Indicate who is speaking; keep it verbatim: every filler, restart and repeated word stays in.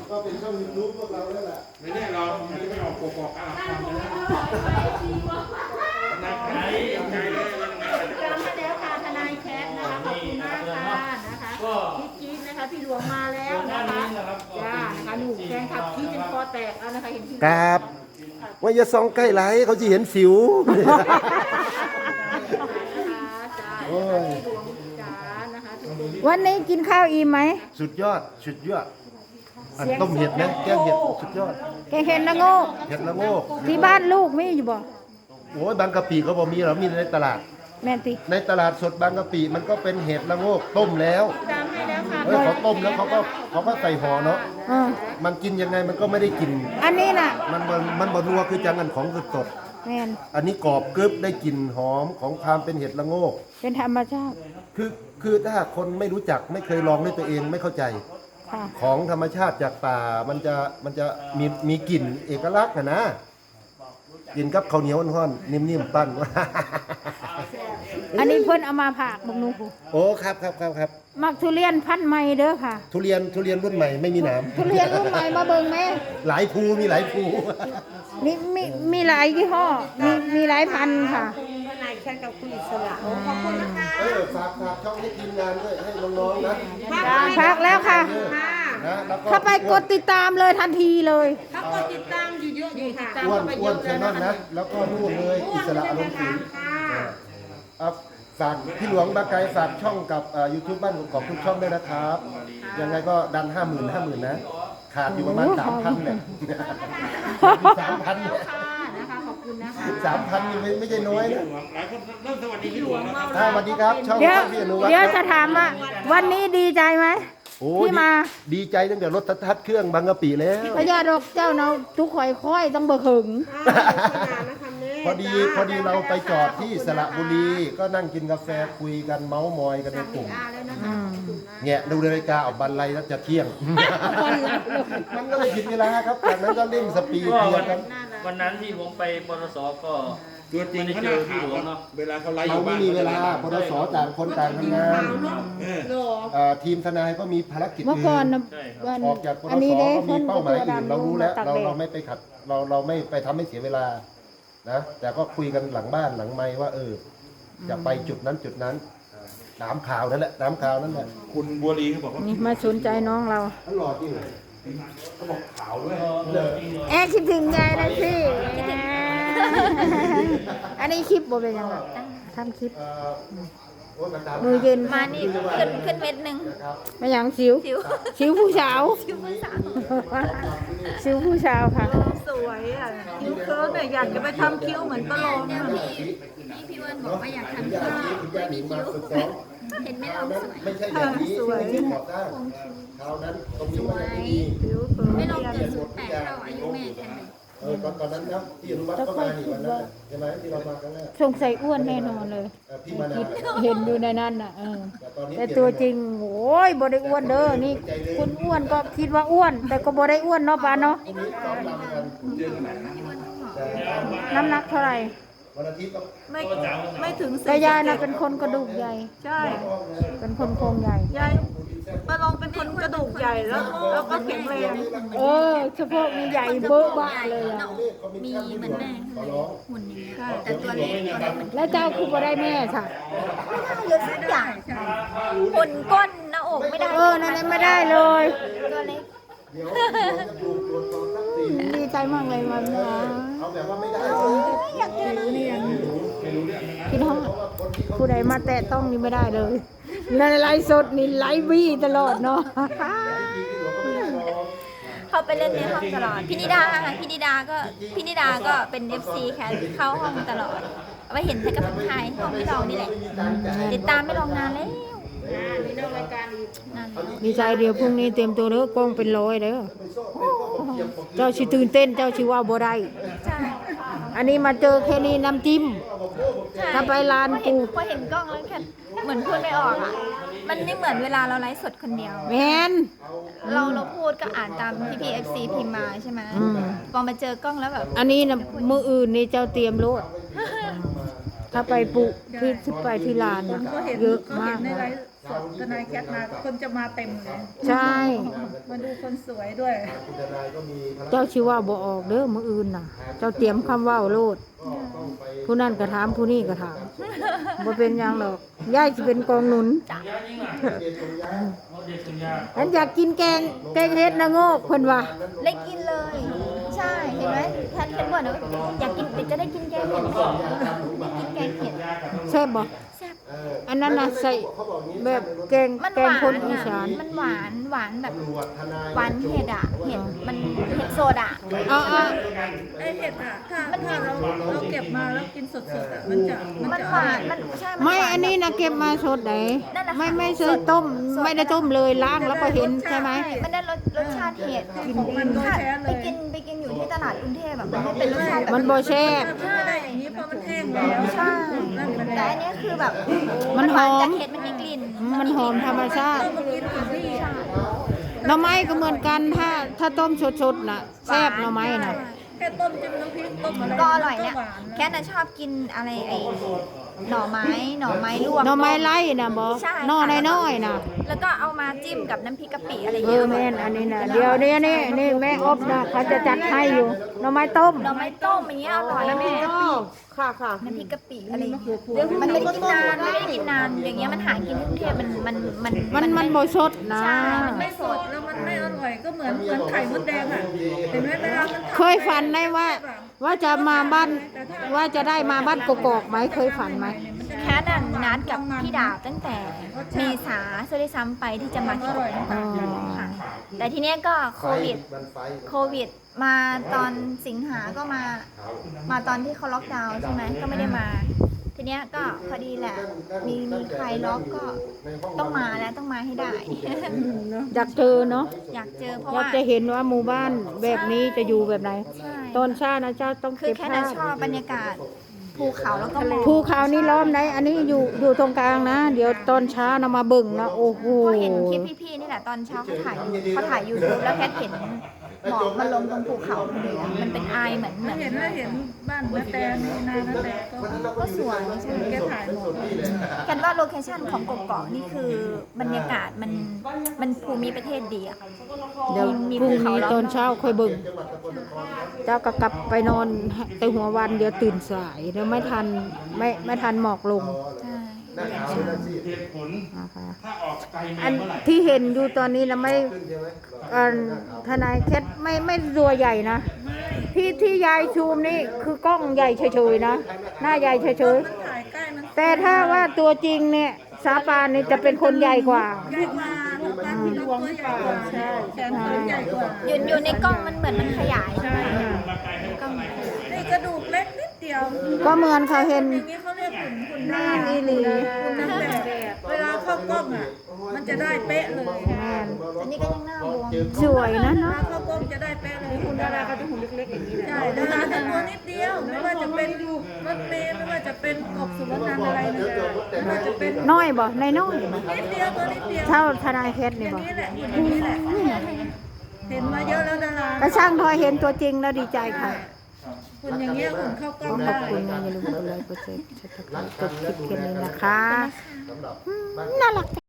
Speaker 1: ก็เป็นช่องยูทูบพวกเราแล้วแหละ
Speaker 2: ไม่ได้เราไม่ได้ออกโกโก้อ่ะทำนะนักใจใจเลยวันนี้
Speaker 3: ตามมาแล้วค่ะทนายแคทนะคะขอบคุณมากค่ะนะคะพี่จี๊ดนะคะพี่หลวงมาแล้วนะคะจ้านะคะหนูแฟนคลับที่จนคอแตกแล้วนะคะเห็นพี่
Speaker 1: ครับว่าอย่าส่องใกล้ไหลเขาจะเห็นสิวโอ้ย
Speaker 4: วันนี้กินข้าวอิ่มไหม
Speaker 1: สุดยอดสุดยอดอันต้มเห็ดนะแกงเห็ดสุดยอด
Speaker 4: แกงเห็ดละโงก
Speaker 1: เห็ดละโงก
Speaker 4: ที่บ้านลูกมีอยู่บ่
Speaker 1: โอ้ยบางกะปิเขาบอกมีเหรอมีในตลาด
Speaker 4: แม่นติ
Speaker 1: ในตลาดสดบางกะปิมันก็เป็นเห็ดละโงกต้มแล้ว
Speaker 3: ตามให้แล้วค่ะ
Speaker 1: เออเขาต้มแล้วเขาก็เขาก็ใส่ห่อเนาะ
Speaker 4: เออ
Speaker 1: มันกินยังไงมันก็ไม่ได้กิน
Speaker 4: อันนี้น่ะ
Speaker 1: มันมันมันบนัวคือจังกันของสด
Speaker 4: แม่น
Speaker 1: ๆอันนี้กรอบกรึบได้กลิ่นหอมของความเป็นเห็ดละโงก
Speaker 4: เป็นธรรมชาติ
Speaker 1: คือคือถ้าคนไม่รู้จักไม่เคยลองด้วยตัวเองไม่เข้าใจ
Speaker 4: ค่ะ
Speaker 1: ของธรรมชาติจากป่ามันจะมันจะมีมีกลิ่นเอกลักษณ์นะนะกินกับข้าวเหนียวอ่อนๆนิ่มๆปั้น
Speaker 4: อันนี้เพิ่นเอามาผากบักหนู
Speaker 1: โอ้ครับครับครับครับ
Speaker 4: มักทุเรียนพันธุ์ใหม่เด้อค่ะ
Speaker 1: ทุเรียนทุเรียนรุ่นใหม่ไม่มีหนาม
Speaker 4: ทุเรียนรุ่นใหม่มาเบิ่งแม่
Speaker 1: หลายภูมีหลายภู
Speaker 4: มีมีมีหลายยี่ห้อมีมีหลายพันธุ์ค่ะ
Speaker 3: ทนายแคทกับคุณอิสระขอบคุณนะคะ
Speaker 1: เออฝากฝากช่องให้ทีมงานด้วยให้น้องๆนะ
Speaker 4: พักแล้วค่ะ
Speaker 1: นะแล้วก็
Speaker 4: เข้าไปกดติดตามเลยทันทีเลย
Speaker 3: ถ้ากดติดตามอยู่เยอะอยู่ค่ะ
Speaker 1: อ้วนอ้วนเชนนั่นนะแล้วก็นู่นเลยอิสระอารมณ์ศิลป์เอาฝากพี่หลวงบาไกฝากช่องกับยูทูบบ้านของทุกช่องด้วยนะครับยังไงก็ดันห้าหมื่นห้าหมื่นนะขาดอยู่ประมาณสามพันเนี่ยสามพันเนี่ย
Speaker 3: ค่ะนะคะขอบคุณนะคะ
Speaker 1: สามพันนี่ไม่ไม่ใช่น้อยนะ
Speaker 2: หลายคนเริ่มสวัสดีพี่หลวงนะครับ
Speaker 1: อ่าสวัสดีครับช่อง
Speaker 4: เดี๋ยว
Speaker 1: ช่องพี่อนุวัฒน์
Speaker 4: เดี๋ยว
Speaker 1: ค
Speaker 4: จะ
Speaker 1: รับ
Speaker 4: ถามว่า วันนี้ดีใจไหม
Speaker 1: โอ้
Speaker 4: ที่มา
Speaker 1: ดีดีใจตั้งแต่รถทัดเครื่องบางกะปิแล้ว
Speaker 4: พญาดอกเจ้าเนาะทุกข่อยค่อยต้องเบิกหึง
Speaker 1: พอดีพอดีเราไปจอดที่สระบุรี ก็นั่งกินกาแฟคุยกันเมาส์มอยกันในกลุ่ม
Speaker 4: อืม
Speaker 1: แงะดูนาฬิกาออกบันไลแล้วจะเที่ยง มันก็เลยผิดเวลาครับจากนั้นก็เร่งสปีด
Speaker 5: ก็
Speaker 1: เดีย
Speaker 5: วั
Speaker 1: วน กัน
Speaker 5: วันนั้นที่ผมไปปตสก็
Speaker 2: ตัวจริงเขาหน้าขาวเนาะเวลาเขาไล่อ
Speaker 1: เรา
Speaker 2: ยู่
Speaker 1: ไม่
Speaker 2: บ้าน
Speaker 1: มีเวลาพดสต่างคนต่างทำงาน
Speaker 2: เออ
Speaker 1: เอ่อทีมทนายก็มีภารกิจ
Speaker 4: เมื่อก่อนนะ
Speaker 5: ใช่ครับ
Speaker 4: วัน
Speaker 1: ออกจากป
Speaker 4: อั
Speaker 1: ด
Speaker 4: น
Speaker 1: ส
Speaker 4: นี้เด้
Speaker 1: ก็มี
Speaker 4: เพิ่น
Speaker 1: เป้าหมาย
Speaker 4: ตัว
Speaker 1: อื่น
Speaker 4: ดำ
Speaker 1: เรารู้แล้ว
Speaker 4: ตัก
Speaker 1: เรา
Speaker 4: แด
Speaker 1: เรา
Speaker 4: ด
Speaker 1: ไม่ไปขัดเราเราไม่ไปทำให้เสียเวลานะแต่ก็คุยกันหลังบ้านหลังไมค์ว่าเออจะไปจุดนั้นจุดนั้นน้ำข่าวนั่นแหละน้ำข่าวนั่นแหละ
Speaker 2: คุณบัวลีเขาบอกว่า
Speaker 4: นี่มาสนใจน้องเรา
Speaker 1: ตลอดจริงเลย
Speaker 2: เขาบอกขาวด้วย
Speaker 4: แอบคิดถึงยายนะพี่อันนี้คลิปบ่เป็นยังไงทำคลิป
Speaker 1: เอ่อโอ้ยมันตาม
Speaker 4: มือเย็น
Speaker 6: มานี่ขึ้นขึ้นเม็ดหนึ่ง
Speaker 1: นะครับ
Speaker 4: มาอย่างสิว
Speaker 6: สิว
Speaker 4: สิวผู้สาว
Speaker 6: สิวภาษา
Speaker 4: สิวผู้สาวค่ะ
Speaker 3: สวยอ่ะคิ้วเคิร์ฟเนี่ยอยากจะไปทำคิ้วเหมือนปลาโลม
Speaker 6: เนี่ยพี่พี่พี่อ้วนบอกว่าอยากทำคิ้ว
Speaker 1: คุณย่าหนิงมาฝึกซ้อม
Speaker 6: เห็นไหม
Speaker 1: ครา
Speaker 6: เรา
Speaker 1: วนั้น
Speaker 6: สวย
Speaker 1: ไม่ใช่แบบนี้ไม่ใช่ก่อสร้างคราวนั้นตรงนี้มันไม่มี
Speaker 3: คิ้วเคิร์ฟ
Speaker 6: ไม่ลองเกิดสูตรแปดเท่าอายุแม่กันเลย
Speaker 1: เออตอนตอนนั้นนะที่อนุวัฒน์ก็มานี่วันนั้นน่ะใช่ไหมที่เรามาครั้งแรก
Speaker 4: สงสัยอ้วนแน่นอนเลย
Speaker 1: เออพี่มานา
Speaker 4: คิด
Speaker 1: น่ะ
Speaker 4: เห็นอยู่ในนั้นน่ะเออ
Speaker 1: แต่ตอนนี้
Speaker 4: แต่ตัวจริงโอ้ยบ่ได้อ้วนเด้อนี่คุณอ้วนก็คิดว่าอ้วน แต่ก็บ่ได้อ้วนเนาะป้าเนาะ
Speaker 1: พรุ่งนี้ซ้อมรำกันแต่
Speaker 4: น้ำหนักเท่าไหร่
Speaker 1: วันอาทิตย์ก็
Speaker 3: ไม่ไม่ถึง
Speaker 4: แต่ยายน่ะเป็นคนกระดูกใหญ่
Speaker 3: ใช่
Speaker 4: เป็นคนโครงใหญ่
Speaker 3: ยายปลาโลมเป็นคนกระดูกใหญ่แล้วแล้วก็แข็งแรง
Speaker 4: เออเฉพาะมีใหญ่เบ้อบ้าเลยอ่ะ
Speaker 6: มีเหมือนแม่
Speaker 1: ขอร้อง
Speaker 6: หุ่นอย่างเงี้ยแต่ตัวเล็กตัวเล็กเหมือน
Speaker 4: แล้วเจ้าคือบ่ได้แม่ค่ะ
Speaker 6: เยอะสักอย่างหุ่นก้นหน้าอกไม่ได้
Speaker 4: เออนั่นไม่ได้เลย
Speaker 6: ตัวเล็ก
Speaker 1: เดี๋ยวเราจะดูตัวตอนสักสี่
Speaker 4: ดีใจมากเลยมันนะ
Speaker 1: เอาแบบว่าไม่ได้เลย
Speaker 4: พี่น้องผู้ใดมาแตะต้องนี่ไม่ได้เลยในไลฟ์สดนี่ไลฟ์บี้ตลอดเนาะ
Speaker 6: เขาไปเล่นในห้องตลอดพี่นิดาพี่นิดาก็พี่นิดาก็เป็น เอฟ ซี แคทเข้าห้องตลอดเอาไปเห็นแค่กับไทยห้องไม่ลองนี่แหละติดตามไม่ลองนานแล้ว
Speaker 3: มีนอกรายการอีก
Speaker 6: นาน
Speaker 4: ดีใจเดี๋ยวพรุ่งนี้เตรียมตัวเด้อกล้องเป็นร้อยเด้อเจ้าชิตื่นเต้นเจ้าชิว่าบ่ได้
Speaker 6: ใช่
Speaker 4: อันนี้มาเจอแค่นี้น้ำจิ้ม ถ้าไปร้าน
Speaker 6: พอเห็น
Speaker 4: กู
Speaker 6: พอเห็นกล้องแล้วแค่เหมือนพูดไม่ออกอ่ะมันไม่เหมือนเวลาเราไลฟ์สดคนเดียว
Speaker 4: แมน
Speaker 6: เราเราพูดก็อ่านตามที่พี่เอฟซีพิมพ์มาใช่ไหม
Speaker 4: อืม
Speaker 6: พอมาเจอกล้องแล้วแบบ
Speaker 4: อันนี้นะมืออื่นนี่เจ้าเตรียมโลดถ้าถ้าไปปุที่ที่ไปที่ลาน
Speaker 3: ค
Speaker 4: น่ะ
Speaker 3: นก็เห็น
Speaker 4: เยอะ
Speaker 3: ก็
Speaker 4: มา
Speaker 3: เห็
Speaker 4: ก
Speaker 3: นในไล
Speaker 4: นะ
Speaker 3: ฟ์สดทนายแคทมาคนจะมาเต็มเลย
Speaker 4: ใช่
Speaker 3: มาดูคนสวยด้วย
Speaker 1: คุณทนายก็มีภารกิจ
Speaker 4: เจ้าชิว่าบ่ออกเด้อมื้ออื่นน่ะ เจ้าเตรียมคำเว้าโลด
Speaker 1: ก็ต้องไป
Speaker 4: ผู้นั่นก็ถามผู้นี้ก็ถามบ่เป็นหยังดอกยายสิเป็นกองหนุน
Speaker 1: เรียนตรงย้าย
Speaker 4: ฉันอยากกินแกงแกงเฮ็ดนะโงกเพิ่นว่า
Speaker 6: ได้กินเลย ใช่เห็นไหมแคทเห็นบ่อยนะอยากกินเดี๋ยวจะได้กินแกงเห็ดได้กินแกงเห็ด
Speaker 4: แซ่บบ่
Speaker 6: แซ่บ
Speaker 4: อันนั้นน่ะใส่แบบแกง
Speaker 6: มัน
Speaker 4: แก
Speaker 6: ห
Speaker 4: ง
Speaker 6: วา
Speaker 4: คน
Speaker 6: น
Speaker 4: อี
Speaker 6: อ่ะ
Speaker 4: สาน
Speaker 6: มันหวานหวานแบบ
Speaker 1: ตำรวจทนาย
Speaker 6: หวานเห็ดอ่ะเห็ดมันเห็ดโซดา
Speaker 4: เอาเอา
Speaker 3: ไอเห็ดอ่ะถ้าถ้าเราเราเก็บมาแล้วกินสดๆอ่ะมันจะมัน
Speaker 6: มัน
Speaker 3: จะ
Speaker 6: หวานมันใช่
Speaker 4: ไม่
Speaker 6: หวา
Speaker 4: อันนี้นะเก็บมาสดไหน
Speaker 6: นั่นแหละค่ะ
Speaker 4: ไม่ไม่ใช่ต้ม ไม่ได้ต้มเลยล้างแล้วก็เห็นใช่ไหม
Speaker 6: ใช่มันได้รสรสชาติเห็ด
Speaker 3: ของมันโดย
Speaker 6: ค่ะ
Speaker 3: แท้เล
Speaker 6: ไป
Speaker 3: ย
Speaker 6: กินไปกินอยู่ที่ตลาดกรุงเทพแบบมันไม่เป็นรสชาติแบบ
Speaker 4: มันบ่แซ่บ
Speaker 3: ถ้าไม่ได้อย่างนี้เพราะมันแห้งแล้ว
Speaker 6: ใช่
Speaker 3: นั่นมัน
Speaker 6: แต่อันเนี้ยคือแบบ
Speaker 4: มันหอม
Speaker 6: จากเห็ดมันมีกลิ่น
Speaker 4: มันหอมธรรมชาติ
Speaker 3: ต้องมากินถึงนี่
Speaker 4: หน่อไม้ก็เหมือนกันถ้าถ้าต้มสดๆน่ะแซ่บหน่อไม้น่ะ
Speaker 3: แค่ต้มจิ้มน้ำพริกต้มอะไร
Speaker 6: ก็อร่อยเนี่ย
Speaker 3: ก็หวา
Speaker 6: แค่น่ะชอบกินอะไรไอ้หน่อไม้หน่อไม้ลวก
Speaker 4: หน่อไม้ไล่น่ะบ่
Speaker 6: ใช่
Speaker 4: หน่อน้อยๆน่ะ
Speaker 6: แล้วก็เอามาจิ้มกับน้ำพริกกะปิอะไรอย่าง
Speaker 4: เอ
Speaker 6: เงี้
Speaker 4: อย แม่นอันนี้น่ะเดี๋ยวนี้นี่นี่แม่อบน่ะเขาจะจัดให้อยู่หน่อไม้ต้ม
Speaker 6: หน่อไม้ต้มอย่างเงี้ยอร่อยนะแม่
Speaker 4: ค่ะค่ะ
Speaker 6: น้ำพริกกะปิอะไรอย่างเงี้ยมันไม่ได้กินนานไม่ได้กินนานอย่างเงี้ยมันหากินที่กรุงเทพมันมันมัน
Speaker 4: มันมันบ่สดนะ
Speaker 6: ใช่มัน
Speaker 3: ไม่
Speaker 6: ไม่
Speaker 3: ส
Speaker 6: ส
Speaker 3: ด
Speaker 6: ด
Speaker 3: แล้วมันไม่อร่อยก็เหมือนเหมือนไข่มดแดงอ่ะเห็นไหมเวลามันทำ
Speaker 4: เคยฝันได้ว่า ว่าจะมาบ้านว่าจะได้มาบ้านกกอกไหมเคยฝันไหม
Speaker 6: แค่นั้นนัดกับพี่ดาบตั้งแต่เมษาซะด้วยซ้ำไปที่จะมาเที่ยว
Speaker 4: อ๋อ
Speaker 6: ค่ะแต่ทีเนี้ยก็โควิด
Speaker 1: มันไฟ
Speaker 6: โควิดมาตอนสิงหาก็มา มาตอนที่เขาล็อกดาวน์ใช่ไหมก็ไม่ได้มา ทีเนี้ยก็พอดีแหละ มีมีใครล็อกก็ต้องมาแล้วต้องมาให้ได้
Speaker 4: อยากเจอเนาะ
Speaker 6: อยากเจอเพราะ
Speaker 4: อยาก
Speaker 6: ว่า
Speaker 4: จะเห็นว่าหมู่บ้านแบบนี้จะอยู่แบบไหน
Speaker 6: ใช่
Speaker 4: ตอนเช้านะเจ้าต้อง
Speaker 6: คือ
Speaker 4: เก็บ
Speaker 6: แค่
Speaker 4: ภา
Speaker 6: นั้น
Speaker 4: พ
Speaker 6: ชอบบรรยากาศภูเขาแล้วก็หมอก
Speaker 4: ภูเขานี่ล้อมไหนอันนี้อยู่อยู่ตรงกลางนะ เดี๋ยวตอนเช้านะมาเบิ่งนะโอ้โห
Speaker 6: พอเห็นคลิปพี่ๆนี่แหละตอนเช้าเขาถ่ายเขาถ่ายยูทูบแล้วแค่เห็นหมอกมันลงตรงภูเขาพอดีอะมันเป็นไอายเหมือนเหมือน
Speaker 3: เห็นว่าเห็นบ้านนาแตนี่นานาแตก็
Speaker 6: ก็สวยใช่ไหม
Speaker 3: แกถ่ายหมด
Speaker 6: กันว่าโลเคชั่นของกเกาะนี่คือบรรยากาศมันมันภูมิประเทศดีอะ
Speaker 4: เดี๋ยว
Speaker 6: มี
Speaker 4: พรุ่ง
Speaker 6: ภูเขา
Speaker 4: นี้
Speaker 6: ล้อม
Speaker 4: ตอนเช้าค่อยเบิ่งเจ้าก็กลับไปนอนแต่หัววันเดี๋ยวตื่นสายเดี๋ยวไม่ทันไม่ไม่ทันหมอกลง
Speaker 6: ใช่
Speaker 1: หน้าขาวหน้าซีด
Speaker 2: เหตุผล
Speaker 4: นะคะ
Speaker 2: ถ้าออกไกล
Speaker 4: อั
Speaker 2: มาน เมื่อไหร่
Speaker 4: ที่เห็นอยู่ตอนนี้นะไม่
Speaker 1: ขึ้นใช่ไหม
Speaker 4: อันทนายแคทไม่ไม่ตัวใหญ่นะที่ที่ยายชูมนี่คือกล้องใหญ่เฉยๆนะหน้าใหญ่เฉย
Speaker 3: มันถ่ายใกล้มัน
Speaker 4: ๆแต่ถ้าว่าตัวจริงเนี่ยสาปานนี่จะเป็นคนใหญ่กว่า
Speaker 3: ใหญ่กว่าลูกบ้านที่เราตัวใหญ่กว่าใช่แขนขาใหญ่กว่า
Speaker 6: อยู่อยู่ในกล้องมันเหมือนมันขยายใช่ไหมกล้อง
Speaker 3: นี่กระดูกเล็กนิดเดียว
Speaker 4: ก็เหมือนเขาเห็น
Speaker 3: อย่างนี้เขาเรียกหุ่นหุ่นหน้า
Speaker 4: อีหลี
Speaker 3: หุ่นนางแบบเวลาเข้ากล้องอ่ะ มันจะได้เป๊ะเลย
Speaker 4: แม่น
Speaker 6: อันนี้ก็ยังหน้าบวม
Speaker 4: สวยนะ
Speaker 3: เว
Speaker 4: เนาะ
Speaker 3: ลาเข้ากล้องจะได้เป๊ะเลยหุ่นดาราเขาจะหุ่นเล็กๆอย่างนี้ใช่ดาราจะตัวนิดเดียว ไม่ว่าจะเป็นรถเมล์ไม่ว่าจะเป็นกบสุวรรณอะไรนะไม่ว่าจะเป็น
Speaker 4: น้อยบ่ในน้อยบ่
Speaker 3: นิดเดียวตัวนิดเดียว
Speaker 4: เท่าทนายแคท
Speaker 3: อ
Speaker 4: นี่
Speaker 3: ย่าง
Speaker 4: บ่
Speaker 3: นี้แหละหุ่นอย่างนี้แหละ เห็นมาเยอะแล้วดาราก
Speaker 4: ระช่างทอยเห็นตัวจริงแล้วดีใจค่ะ
Speaker 3: หุ่นอย่างเงี้ยหุ่นเข้ากล้อง
Speaker 4: ข
Speaker 3: ได้
Speaker 4: อบคุณนะอย่าลืมกดไลค์กดแชร์กดติดตามกดคลิปแค่นี้นะคะ
Speaker 1: สำหรับ
Speaker 4: น่ารัก